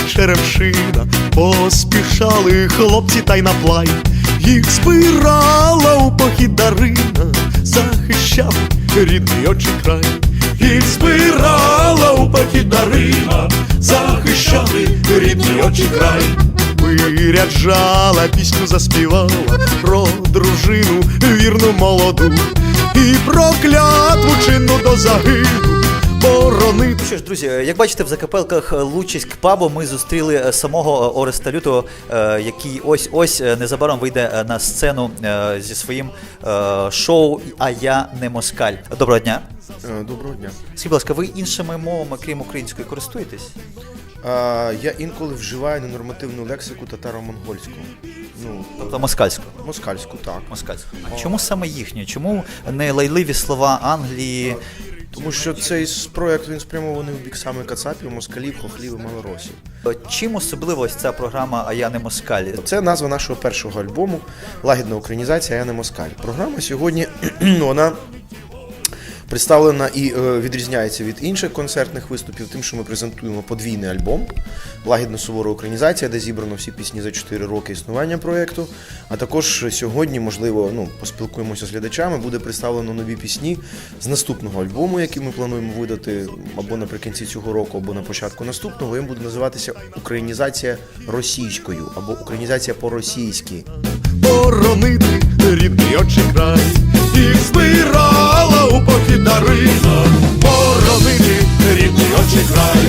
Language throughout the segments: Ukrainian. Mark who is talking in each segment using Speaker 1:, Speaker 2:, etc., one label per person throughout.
Speaker 1: черемшина. Поспішали хлопці та й на плай, їх збирала у похід Дарина, захищав рідний отчий край. Їх збирала у похід Дарина, захищали рідний отчий край. Виряджала, пісню заспівала про дружину вірну молоду і про клятву чинну до загину боронити.
Speaker 2: Що ж, друзі, як бачите, в закапелках Лучиськ пабу ми зустріли самого Ореста Лютого, який ось незабаром вийде на сцену зі своїм шоу «А я не москаль». Доброго дня.
Speaker 3: Доброго дня.
Speaker 2: Скажіть, будь ласка, ви іншими мовами, крім української, користуєтесь?
Speaker 3: Я інколи вживаю ненормативну лексику татаро-монгольську.
Speaker 2: Тобто москальську?
Speaker 3: Москальську, так.
Speaker 2: Москальську. А чому саме їхню? Чому не лайливі слова Англії?
Speaker 3: Тому що цей проєкт, він спрямований в бік саме кацапів, москалів, хохлів і малоросів.
Speaker 2: Чим особлива ось ця програма «А я не москаль»?
Speaker 3: Це назва нашого першого альбому, лагідна українізація «А я не москаль». Програма сьогодні, вона представлена і відрізняється від інших концертних виступів тим, що ми презентуємо подвійний альбом «Лагідна сувора українізація», де зібрано всі пісні за 4 роки існування проєкту. А також сьогодні, можливо, поспілкуємося з глядачами, буде представлено нові пісні з наступного альбому, який ми плануємо видати або наприкінці цього року, або на початку наступного. Він буде називатися «Українізація російською» або «Українізація по-російськи».
Speaker 1: Боронити рідний отчий край, їх збирала у похід Дарина, боронити рідний отчий край.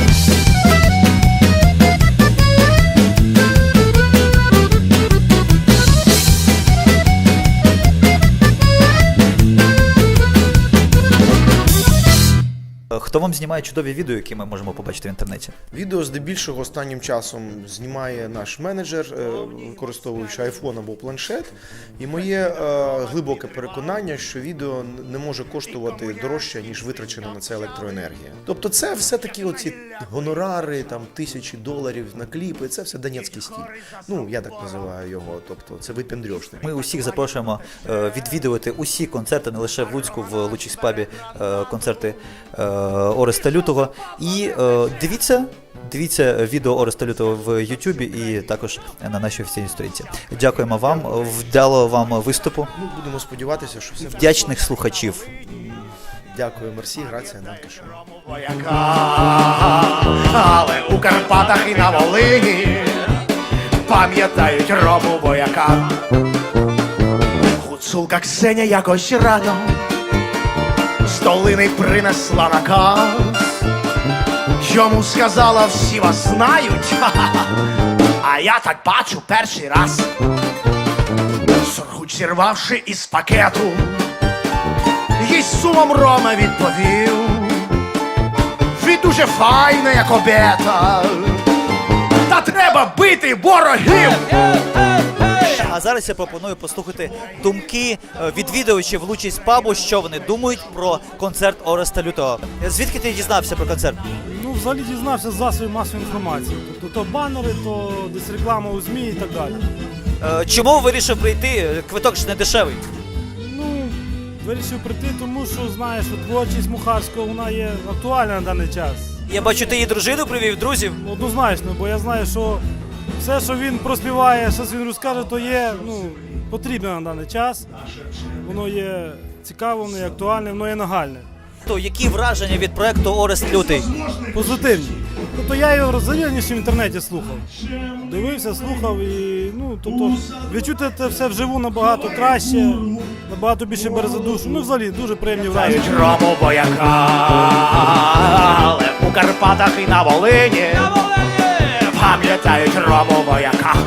Speaker 2: Хто вам знімає чудові відео, які ми можемо побачити в інтернеті?
Speaker 3: Відео здебільшого останнім часом знімає наш менеджер, використовуючи iPhone або планшет. І моє глибоке переконання, що відео не може коштувати дорожче, ніж витрачена на це електроенергія. Тобто це все-таки оці гонорари, там, $1000 на кліпи, це все донецький стиль. Я так називаю його, тобто це випендрьошник.
Speaker 2: Ми усіх запрошуємо відвідувати усі концерти, не лише в Луцьку, в Лучиськ пабі, концерти Ореста Лютого. І дивіться відео Ореста Лютого в Ютубі і також на нашій офіційній сторінці. Дякуємо вам, вдало вам виступу.
Speaker 3: Будемо сподіватися, що все
Speaker 2: вдячних слухачів.
Speaker 3: Дякую, мерсі, грація, Данкішон.
Speaker 4: Але у Карпатах і на Волині пам'ятають Рому Бояка. Гуцулка Ксеня якось рано з долини принесла наказ. Йому сказала, всі вас знають, а я так бачу перший раз. Сургуч зірвавши із пакету, їй з сумом Рома відповів: ви дуже файна, як обета, та треба бити ворогів.
Speaker 2: А зараз я пропоную послухати думки відвідувачів Лучиськ пабу, що вони думають про концерт Ореста Лютого. Звідки ти дізнався про концерт?
Speaker 5: Взагалі дізнався з засобів масової інформації. Тобто то банери, то десь реклама у ЗМІ і так далі.
Speaker 2: Чому вирішив прийти? Квиток ж не дешевий.
Speaker 5: Вирішив прийти, тому що знаєш, що творчість Мухарського, вона є актуальна на даний час.
Speaker 2: Я бачу, ти її дружину привів, друзів.
Speaker 5: Однозначно, бо я знаю, що все, що він проспіває, що він розкаже, то є потрібне на даний час. Воно є цікаве, воно є актуальне, воно є нагальне.
Speaker 2: То які враження від проекту Орест Лютий?
Speaker 5: Позитивні. Тобто я його раніше в інтернеті слухав. Дивився, слухав і відчути це все вживу набагато краще, набагато більше бере за душу. Взагалі дуже приємні враження.
Speaker 4: Рому Бояка, але у Карпатах і на Волині пам'ятають Рому Бояка.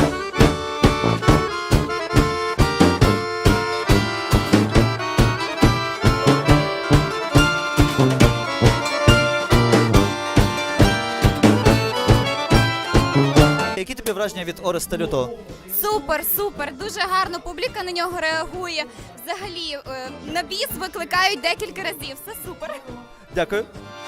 Speaker 2: Які тобі враження від Ореста Лютого?
Speaker 6: Супер, дуже гарно публіка на нього реагує. Взагалі, на біс викликають декілька разів, все супер.
Speaker 2: Дякую.